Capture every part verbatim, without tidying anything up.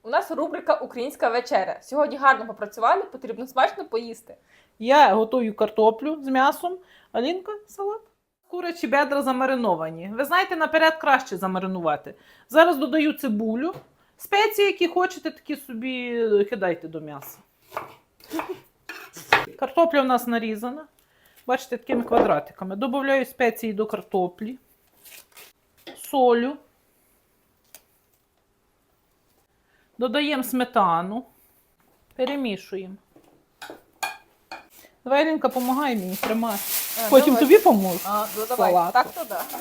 У нас рубрика «Українська вечеря». Сьогодні гарно попрацювали, потрібно смачно поїсти. Я готую картоплю з м'ясом, Алінка – салат. Курячі бедра замариновані. Ви знаєте, наперед краще замаринувати. Зараз додаю цибулю. Спеції, які хочете, такі собі кидайте до м'яса. Картопля у нас нарізана. Бачите, такими квадратиками. Добавляю спеції до картоплі. Солю. Додаємо сметану. Перемішуємо. Давай, Алінка, допомагай мені тримати. А, Потім давай. тобі поможу. А, ну давай, Салату. так то да.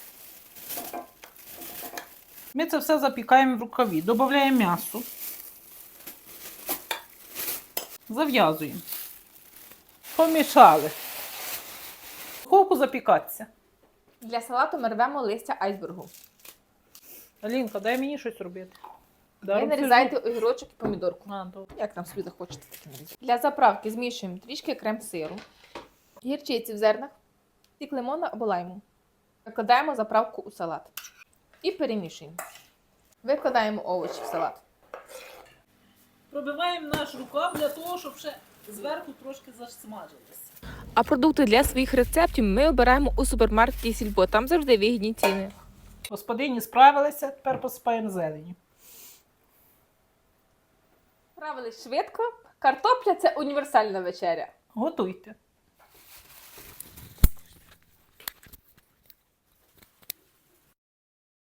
Ми це все запікаємо в рукаві. Додаємо м'ясо. Зав'язуємо. Помішали. Духовку запікатися. Для салату ми рвемо листя айсбергу. Алінка, дай мені щось робити. Ви нарізайте огірочок і помідорку. А, добре. Як там собі захочете, таке нарізати. Для заправки змішуємо трішки крем-сиру, гірчиці в зернах, сік лимона або лайму. Викладаємо заправку у салат. І перемішуємо. Викладаємо овочі в салат. Пробиваємо наш рукав для того, щоб ще зверху трошки засмажилося. А продукти для своїх рецептів ми обираємо у супермаркеті Сільпо. Там завжди вигідні ціни. Господині справилися, тепер посипаємо зелені. Справились швидко. Картопля – це універсальна вечеря. Готуйте.